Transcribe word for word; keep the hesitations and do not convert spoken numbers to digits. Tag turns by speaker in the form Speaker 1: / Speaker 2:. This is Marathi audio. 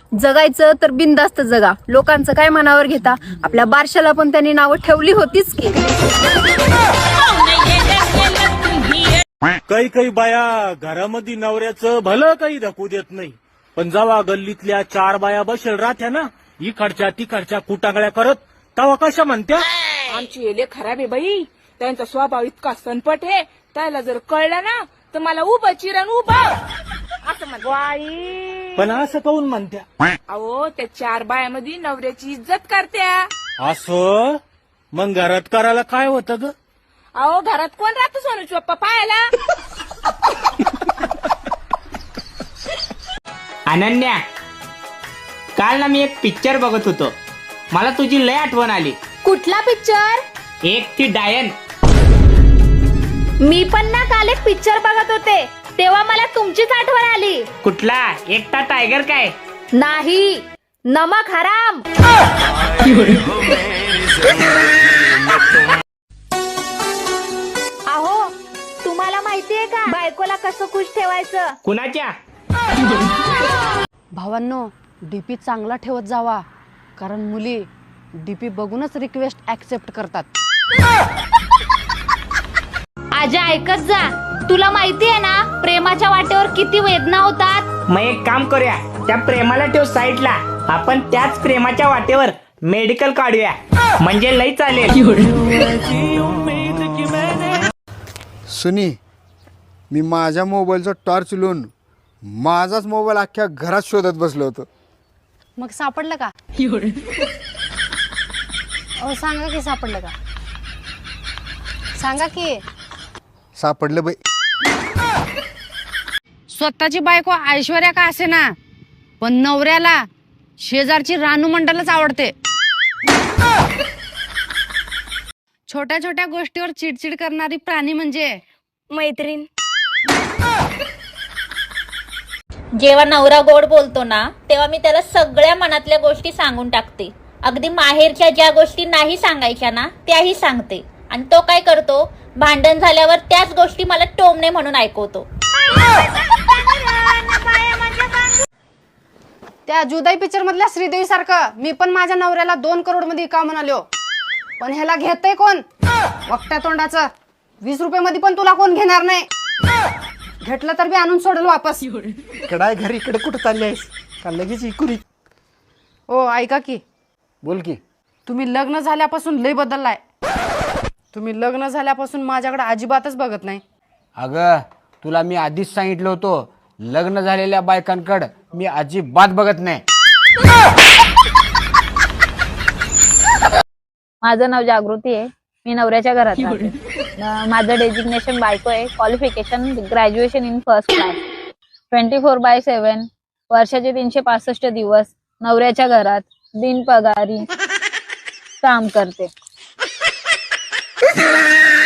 Speaker 1: जगायचं तर बिनधास्त जगा, लोकांचं काय मनावर घेता. आपल्या बारशाला पण त्यांनी नावं ठेवली होतीच की.
Speaker 2: काही काही बाया घरामध्ये नवऱ्याचं भलं काही धकू देत नाही, पण जेव्हा गल्लीतल्या चार बाया बसेल राहत्या ना इकडच्या तिकडच्या कुटांगळ्या करत, तेव्हा कशा म्हणत्या,
Speaker 3: आमची एले खराब आहे बाई, त्यांचा स्वभाव इतका सनपट आहे, त्याला जर कळलं ना तर मला उभं चिरण उभं असं म्हणत. बाई
Speaker 2: पण असं काऊन म्हणत्या?
Speaker 3: अहो त्या चार बायामध्ये नवऱ्याची इज्जत करत्या.
Speaker 2: असं मग घरात करायला काय होतं ग?
Speaker 3: अहो घरात कोण राहतो सोनूची पप्पा पाहायला.
Speaker 4: अनन्या, काल ना मी एक पिक्चर बघत होतो, मला तुझी लय आठवण आली.
Speaker 1: कुठला पिक्चर?
Speaker 4: एक ती डायन.
Speaker 1: मी पण ना काल एक पिक्चर बघत होते, तेव्हा मला तुमचीच आठवण आली.
Speaker 4: कुठला? एकटा टायगर काय?
Speaker 1: नाही, नमक हराम. अहो तुम्हाला माहितीये का बायकोला कसं खुश ठेवायचं?
Speaker 4: कुणाच्या?
Speaker 5: भावांनो, डीपी चांगला ठेवत जावा, कारण मुली डीपी बघूनच रिक्वेस्ट ऍक्सेप्ट करतात.
Speaker 1: आजा ऐकत जा, तुला माहितीये ना प्रेमाच्या वाटेवर किती वेदना होतात.
Speaker 4: मग एक काम करूया, त्या प्रेमाला ठेव साईडला, आपण त्याच प्रेमाच्या वाटेवर मेडिकल काढूया, म्हणजे लई चालेल.
Speaker 6: सुनी, मी माझ्या मोबाईलचा टॉर्च लावून माझाच मोबाईल अख्ख्या घरात शोधत बसलो होतो.
Speaker 5: मग सापडलं का? अहो सांगा की सापडलं का? सांगा की.
Speaker 6: सापडलं बाई.
Speaker 5: स्वतःची बायको ऐश्वर्या का असे ना, पण नवऱ्याला शेजारची रानू मंडलच आवडते. छोट्या छोट्या गोष्टीवर चिडचिड करणारी प्राणी म्हणजे
Speaker 1: मैत्रीण.
Speaker 7: जेव्हा नवरा गोड बोलतो ना तेव्हा मी त्याला सगळ्या मनातल्या गोष्टी सांगून टाकते. अगदी माहेरच्या ज्या गोष्टी नाही सांगायच्या ना त्याही सांगते. आणि तो काय करतो, भांडण झाल्यावर त्याच गोष्टी मला टोमणे म्हणून ऐकवतो.
Speaker 5: त्या जुदाई पिक्चर मधल्या श्रीदेवी सारखं मी पण माझ्या नवऱ्याला दोन करोड मध्ये का म्हणालो, पण ह्याला घेतय कोण? वक्त्या तोंडाचं. वीस रुपये मध्ये पण तुला कोण घेणार नाही. घेतलं तर बी आणून सोडल वापस.
Speaker 6: कडाय घरी इकडे कुठं चालली आहेस का लगेच इकुरी?
Speaker 5: ओ ऐका की,
Speaker 6: बोल की.
Speaker 5: तुम्ही लग्न झाल्यापासून लय बदललाय. तुम्ही लग्न झाल्यापासून माझ्याकडे अजिबातच बघत नाही.
Speaker 6: अगं तुला मी आधीच सांगितलं होतं, लग्न झालेल्या बायकांकडे मी अजिबात बघत नाही.
Speaker 7: माझं नाव जागृती आहे, मी नवऱ्याच्या घरात राहते. अं, माझं डेजिग्नेशन बायको आहे. Qualification graduation in first class. Twenty four by seven वर्षाचे तीनशे पासष्ट दिवस नवऱ्याच्या घरात बिनपगारी काम करते.